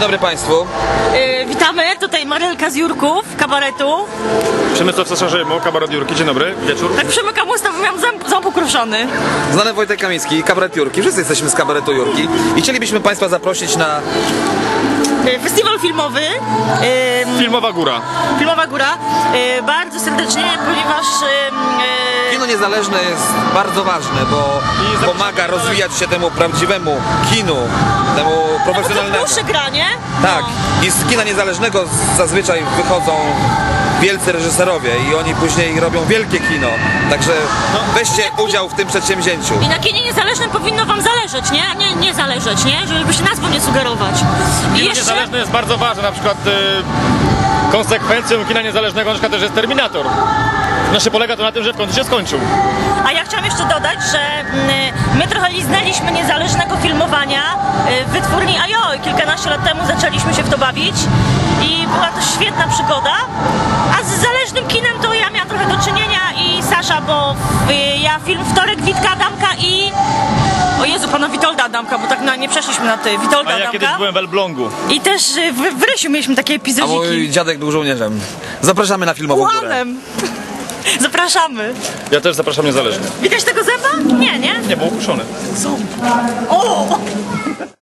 dobry Państwu. Witamy, tutaj Marylka z Jurków, kabaretu. Przemysław Sasza-Rzejmo, kabaret Jurki, dzień dobry, wieczór. Tak przemykam usta, bo miałam ząb ukruszony. Znany Wojtek Kamiński, kabaret Jurki. Wszyscy jesteśmy z kabaretu Jurki. I chcielibyśmy Państwa zaprosić na... Festiwal filmowy. Filmowa Góra. Filmowa Góra. Bardzo serdecznie, ponieważ... Kino niezależne jest bardzo ważne, bo pomaga rozwijać się temu prawdziwemu kinu, temu profesjonalnemu. Dłuższe granie. Tak. I z kina niezależnego zazwyczaj wychodzą wielcy reżyserowie i oni później robią wielkie kino. Także weźcie udział w tym przedsięwzięciu. I na kinie niezależnym powinno wam zależeć, nie? Nie zależeć, nie? Żeby się nazwą nie sugerować. Kino niezależne jest bardzo ważne, na przykład konsekwencją kina niezależnego na przykład też jest Terminator. Znaczy polega to na tym, że w końcu się skończył. A ja chciałam jeszcze dodać, że my trochę liznęliśmy niezależnego filmowania w wytwórni Ajoj. Kilkanaście lat temu zaczęliśmy się w to bawić i była to świetna przygoda. A z zależnym kinem to ja miałam trochę do czynienia i Sasza, bo ja film Wtorek Witka Adamka i... O Jezu, pana Witolda Adamka, bo tak nie przeszliśmy na ty. Witolda A ja Adamka. kiedyś byłem w Elblągu. I też w Rysiu mieliśmy takie A epizodiki. mój dziadek był żołnierzem. Zapraszamy na Filmową Górę. Ułanem. Zapraszamy. Ja też zapraszam niezależnie. Widać tego zęba? Nie, nie? Nie, był ukuszony. Ząb. O!